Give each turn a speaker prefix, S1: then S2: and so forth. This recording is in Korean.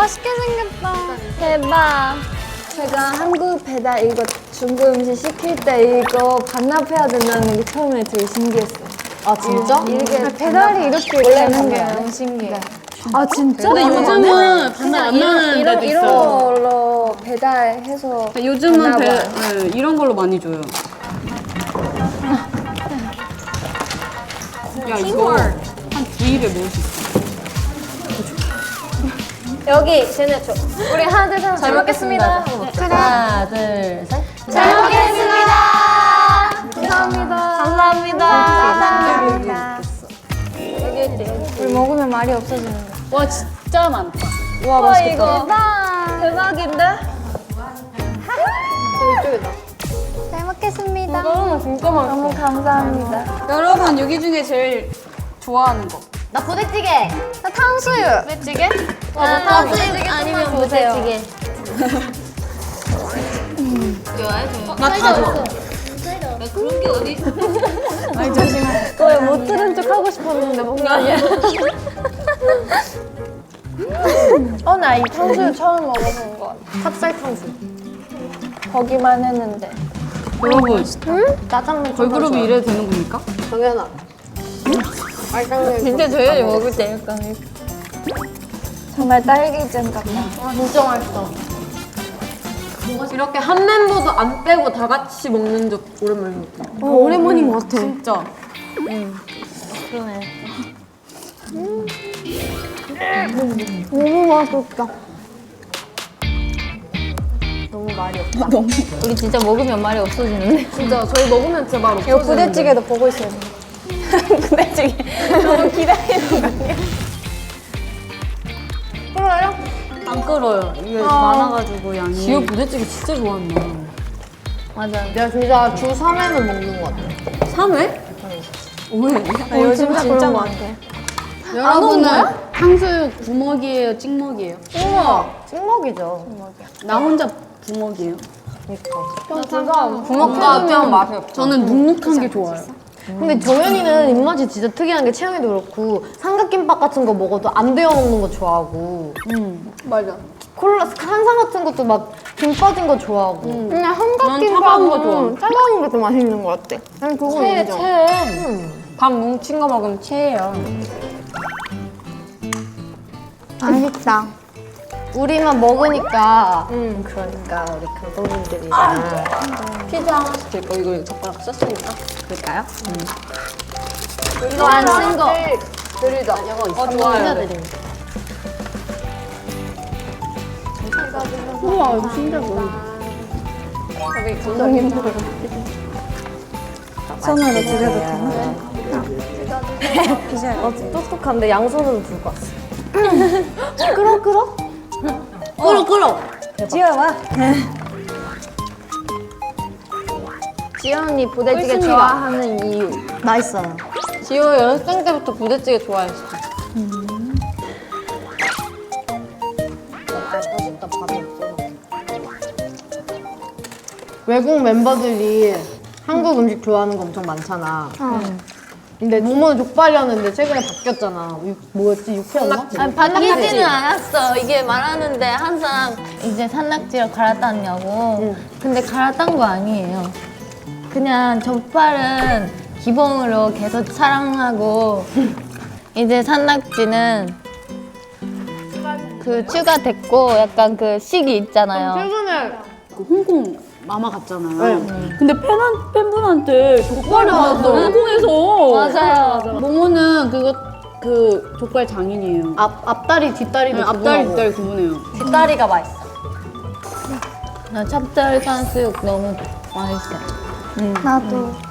S1: 맛있게 생겼다. 대박. 제가 한국 배달 이거 중국 음식 시킬 때 이거 반납해야 된다는 게 처음에 되게 신기했어요.
S2: 아 진짜?
S1: 이게
S2: 배달이 이렇게 되는 게 너무 신기해.
S1: 아 진짜?
S3: 근데 요즘은 반납 안 나는 데도
S1: 이런
S3: 있어요.
S1: 걸로 배달해서
S3: 요즘은
S1: 반납
S3: 네, 이런 걸로 많이 줘요. 야 이거 한 두 입에 먹을 수 있어.
S2: 여기 쟤네 줘.
S1: 우리 하나 둘 셋.
S2: 잘 먹겠습니다. 하나 둘 셋.
S1: 잘 먹겠습니다. 감사합니다.
S2: 감사합니다.
S1: 우리 먹으면 말이 없어지는데.
S3: 와 진짜 많다.
S1: 와 맛있겠다.
S2: 대박인데?
S1: 잘 먹겠습니다.
S3: 진짜 많다.
S1: 너무 감사합니다.
S3: 여러분 여기 중에 제일 좋아하는 거.
S2: 나 부대찌개.
S1: 나 탕수육.
S3: 부대찌개?
S2: 탕수육 아니면 부대찌개.
S3: 나 다 좋아.
S1: 못 들은 척 하고 싶었는데 뭔가. 나 이 탕수육 처음 먹어본 것 같아.
S2: 찹쌀 탕수육.
S1: 거기만 했는데.
S3: 여러분
S2: 짜장면
S3: 걸그룹이 이래도 되는 겁니까?
S2: 정연아.
S1: 진짜 저희 먹을 때 약간 정말 딸기잼 같다.
S2: 진짜 맛있어. 이렇게 한 멤버도 안 빼고 다 같이 먹는 적 오랜만에 먹다.
S3: 오랜만인 것 같아. 진짜.
S1: 그러네. 너무 맛있다.
S2: 너무 말이 없다.
S1: 우리 진짜 먹으면 말이 없어지는데.
S2: 진짜 저희 먹으면 진짜 말 없어.
S1: 이거 부대찌개도 보고 있어요. 부대찌개. 너무 기다리는 거.
S3: 안 끓어요. 이게 많아가지고 양이.
S2: 지효 부대찌개 진짜 좋아한다.
S1: 맞아.
S2: 내가 진짜 주 3회는 먹는 것 같아.
S3: 3회? 왜?
S1: 요즘 진짜 많아.
S3: 여러분은 탕수육 부먹이에요? 찍먹이에요?
S2: 찍먹이죠.
S3: 나 혼자 부먹이에요.
S2: 부먹해주면 맛이 없어.
S3: 저는 눅눅한 게 좋아요.
S2: 근데 정연이는 입맛이 진짜 특이한 게 채영이도 그렇고 삼각김밥 같은 거 먹어도 안 데워 먹는 거 좋아하고
S3: 맞아.
S2: 콜라 한상 같은 것도 막 김 빠진 거 좋아하고
S1: 그냥
S3: 난 차가운 거 좋아.
S1: 차가운 게 더 맛있는 것 같아. 난 그거 인정.
S2: 밥 뭉친 거 먹으면 체해요.
S1: 맛있다.
S2: 우리만 먹으니까 그러니까 우리 감독님들이랑 피자 하나씩 될 거 이거 젓가락 썼으니까 그럴까요? 이거 안 쓴 거 드리자. 좋아요. 드립니다.
S3: 우와 이거 진짜 뭐야.
S2: 저기 감독님들
S1: 손으로 드려도 되나?
S2: 똑똑한데 양손으로 들고 왔어. 끌어.
S1: 지어와.
S2: 지효 언니 부대찌개 좋아하는 이유.
S1: 맛있어요.
S2: 지효 연습생 때부터 부대찌개 좋아했어. 외국 멤버들이 한국 음식 좋아하는 거 엄청 많잖아. 근데 모모는 족발이었는데 최근에 바뀌었잖아. 뭐였지? 육회였나?
S4: 아니, 바뀌지는 않았어. 이게 말하는데 항상 이제 산낙지를 갈아탔냐고. 근데 갈아탄 거 아니에요. 그냥 족발은 기본으로 계속 사랑하고 이제 산낙지는 그 추가됐고 약간 그 시기 있잖아요.
S2: 최근에
S3: 그 홍콩 마마 갔잖아요. 근데 팬분한테 족발이 왔어. 홍콩에서.
S4: 맞아요.
S3: 모모는 그 족발 장인이에요.
S2: 앞다리 뒷다리도
S3: 앞다리
S2: 구분하고.
S3: 뒷다리 구분해요.
S2: 뒷다리가 맛있어.
S4: 나 찹쌀 산수육 너무 맛있어.
S1: 나도.